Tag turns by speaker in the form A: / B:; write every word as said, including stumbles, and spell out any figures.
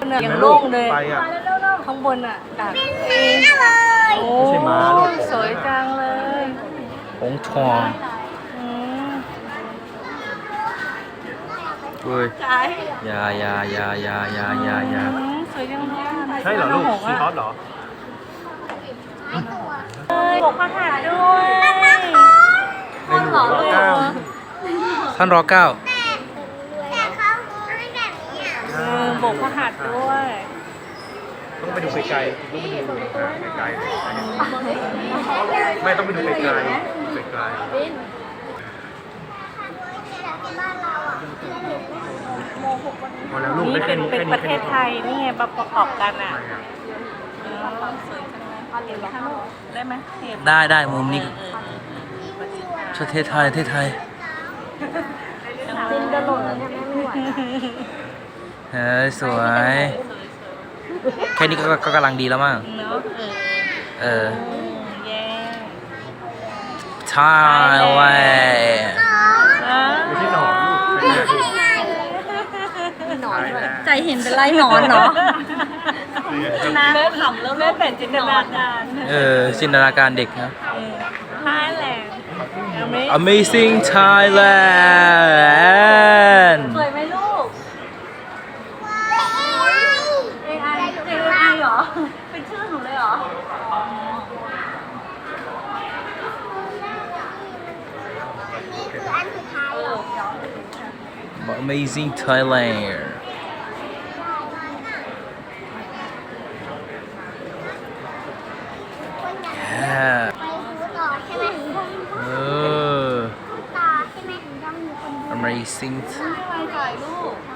A: นอะยังโล่งเลย
B: ไปอ่ะ
A: ข้างบนอ่ะดัก
C: เลย
A: โอ้
B: ไม่ใช่ม้าลูก
A: สวยจังเลย
D: หงทอง
A: อืม
D: เฮ้ย
A: ใจ
D: อยาอยาอยาอยาอยาอยาอยา
A: อืมสวยจังเลย
B: ใช่เหรอลูกซีฮอสเหรอ
A: เอ้ยบกพระหัตถ์ด้วย
B: ในหลวงรัชกาล
D: ท่านรอเก้า
C: แต่เขาไม่แบบนี้อ่ะ
A: เออบกพระหัตถ์ด้วย
B: ต้องไปดูไกลๆต้องไปดูไกลๆไม่ต้องไปดูไกลๆไกล
C: บ้านเราอ่ะ
B: ๆพอแล้วลูก
A: นี่
B: ได้แค่
A: เป็น
B: นี้
A: เป็น
B: แค่
A: ประเทศไทยนี่ไงประกอบกันอ่ะ
B: ใช่ครับ
A: เออสวยจังเลยเอาเหรียญข้างได้ไหมเหรียญ
D: ได้ได้มุมนี้
A: เออเออประเทศไทย
D: ประเทศไทยประเทศไทย
A: ดินจะหล่นแล้วเนี่ยแม่ไม่ไหว
D: เฮ้ยสวย แค่นี้ก็ก็กำลังดีแล้วมั้ง
A: เนาะเออ
D: เออ
A: เย้
D: ไทยแลนด์
A: อ่ะ
B: ไม่ใช่หนอนลูกไม่ใช่หนอนด้วย
A: ใจเห็นเป็นไรหนอนเนาะน้าแม่ขำแล้วแม่เป็นจินตนาการ
D: เออจินตนาการเด็กนะ
A: ไทยแลนด์
D: Amazing Thailand
A: สวยไหมลูก เอ ไอ เอ ไอ เหรอ เป็นชื่อหนูเลยเหรอ
C: นี่คืออันสุดท้ายเหรอ
D: Amazing Thailand แย่
C: ไปฟูต่อใช่ไหม
D: เออ
C: ต่อใช่ไหมต้องมีคนดู
D: Amazing
A: ไม่ไวจ่ายลูก